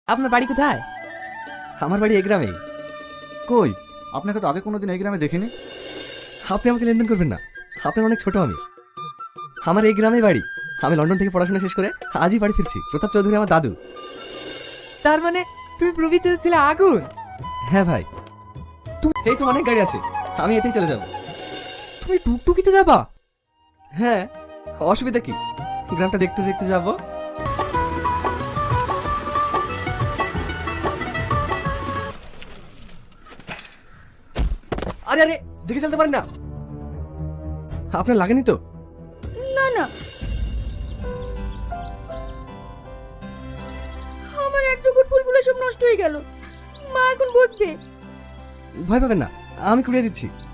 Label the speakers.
Speaker 1: আপনার বাড়ি কোথায়?
Speaker 2: আমার বাড়ি এই গ্রামেই।
Speaker 3: কই, আপনাকে তো আগে কোনোদিন এই গ্রামে দেখিনি।
Speaker 2: আপনি আমাকে লেনদেন করবেন না, আপনার অনেক ছোট আমি। আমার এই গ্রামেই বাড়ি। আমি লন্ডন থেকে পড়াশোনা শেষ করে আজই বাড়ি ফিরছি। প্রতাপ চৌধুরী আমার দাদু।
Speaker 1: তার মানে তুমি প্রবীর চৌধুরীর ছেলে আগুন?
Speaker 2: হ্যাঁ ভাই, এই তো অনেক গাড়ি আছে, আমি এতেই চলে যাব।
Speaker 1: তুমি টুকটুকিতে যাবা?
Speaker 2: হ্যাঁ, অসুবিধা কি, গ্রামটা দেখতে দেখতে যাবো। আরে আরে, দেখে চলতে পারেন না? আপনার লাগেনি তো?
Speaker 4: না না, আমার এক জোগাড় ফুলগুলো সব নষ্ট হয়ে গেল। মা এখন বকবে।
Speaker 2: ভয় পাবেন না, আমি কুড়িয়ে দিচ্ছি।